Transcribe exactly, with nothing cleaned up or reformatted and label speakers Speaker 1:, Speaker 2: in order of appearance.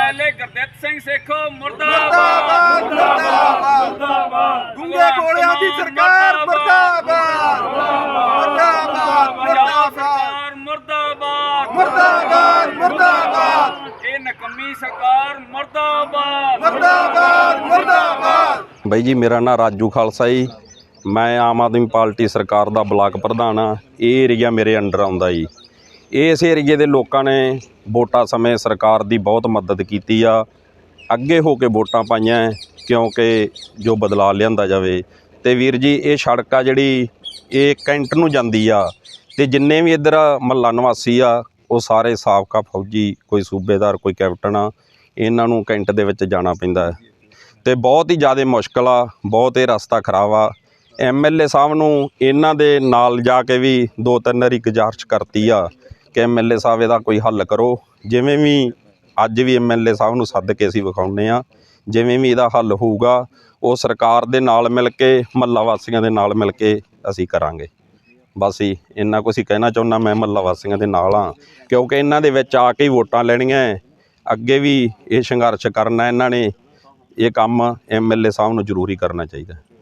Speaker 1: MLA Gurdit Singh Sekhon ਮੁਰਦਾਬਾਦ ਮੁਰਦਾਬਾਦ
Speaker 2: ਗੁੰਗੇ ਗੋਲਿਆਂ ਦੀ ਸਰਕਾਰ ਮੁਰਦਾਬਾਦ ਮੁਰਦਾਬਾਦ
Speaker 1: ਮੁਰਦਾਬਾਦ ਮੁਰਦਾਬਾਦ
Speaker 2: ਮੁਰਦਾਬਾਦ ਮੁਰਦਾਬਾਦ
Speaker 1: ਇਹ ਨਕੰਮੀ ਸਰਕਾਰ ਮੁਰਦਾਬਾਦ
Speaker 2: ਮੁਰਦਾਬਾਦ ਮੁਰਦਾਬਾਦ।
Speaker 3: ਬਾਈ ਜੀ ਮੇਰਾ ਨਾਂ ਰਾਜੂ ਖਾਲਸਾ ਜੀ। ਮੈਂ ਆਮ ਆਦਮੀ ਪਾਰਟੀ ਸਰਕਾਰ ਦਾ ਬਲਾਕ ਪ੍ਰਧਾਨ ਹਾਂ। ਇਹ ਏਰੀਆ ਮੇਰੇ ਅੰਡਰ ਆਉਂਦਾ ਜੀ। ਇਸ ਏਰੀਏ ਦੇ ਲੋਕਾਂ ਨੇ ਵੋਟਾਂ ਸਮੇਂ ਸਰਕਾਰ ਦੀ ਬਹੁਤ ਮਦਦ ਕੀਤੀ ਆ। ਅੱਗੇ ਹੋ ਕੇ ਵੋਟਾਂ ਪਾਈਆਂ ਕਿਉਂਕਿ ਜੋ ਬਦਲਾਅ ਲਿਆਂਦਾ ਜਾਵੇ। ਅਤੇ ਵੀਰ ਜੀ ਇਹ ਸੜਕ ਆ ਜਿਹੜੀ ਇਹ ਕੈਂਟ ਨੂੰ ਜਾਂਦੀ ਆ ਅਤੇ ਜਿੰਨੇ ਵੀ ਇੱਧਰ ਮਹੱਲਾ ਨਿਵਾਸੀ ਆ ਉਹ ਸਾਰੇ ਸਾਬਕਾ ਫੌਜੀ, ਕੋਈ ਸੂਬੇਦਾਰ, ਕੋਈ ਕੈਪਟਨ ਆ। ਇਹਨਾਂ ਨੂੰ ਕੈਂਟ ਦੇ ਵਿੱਚ ਜਾਣਾ ਪੈਂਦਾ ਅਤੇ ਬਹੁਤ ਹੀ ਜ਼ਿਆਦਾ ਮੁਸ਼ਕਿਲ ਆ। ਬਹੁਤ ਇਹ ਰਸਤਾ ਖਰਾਬ ਆ। ਐਮ ਐਲ ਏ ਸਾਹਿਬ ਨੂੰ ਇਹਨਾਂ ਦੇ ਨਾਲ ਜਾ ਕੇ ਵੀ ਦੋ ਤਿੰਨ ਵਾਰੀ ਗੁਜ਼ਾਰਿਸ਼ ਕਰਤੀ ਆ ਕਿ ਐਮ ਐਲ ਏ ਸਾਹਿਬ ਇਹਦਾ ਕੋਈ ਹੱਲ ਕਰੋ। ਜਿਵੇਂ ਵੀ ਅੱਜ ਵੀ ਐਮ ਐਲ ਏ ਸਾਹਿਬ ਨੂੰ ਸੱਦ ਕੇ ਅਸੀਂ ਵਿਖਾਉਂਦੇ ਹਾਂ। ਜਿਵੇਂ ਵੀ ਇਹਦਾ ਹੱਲ ਹੋਊਗਾ ਉਹ ਸਰਕਾਰ ਦੇ ਨਾਲ ਮਿਲ ਕੇ, ਮਹੱਲਾ ਵਾਸੀਆਂ ਦੇ ਨਾਲ ਮਿਲ ਕੇ ਅਸੀਂ ਕਰਾਂਗੇ। ਬਸ ਹੀ ਇੰਨਾ ਕੁਛ ਹੀ ਕਹਿਣਾ ਚਾਹੁੰਦਾ ਮੈਂ ਮਹੱਲਾ ਵਾਸੀਆਂ ਦੇ ਨਾਲ ਹਾਂ, ਕਿਉਂਕਿ ਇਹਨਾਂ ਦੇ ਵਿੱਚ ਆ ਕੇ ਹੀ ਵੋਟਾਂ ਲੈਣੀਆਂ। ਅੱਗੇ ਵੀ ਇਹ ਸੰਘਰਸ਼ ਕਰਨਾ ਇਹਨਾਂ ਨੇ। ਇਹ ਕੰਮ ਐਮ ਐਲ ਏ ਸਾਹਿਬ ਨੂੰ ਜ਼ਰੂਰੀ ਕਰਨਾ ਚਾਹੀਦਾ।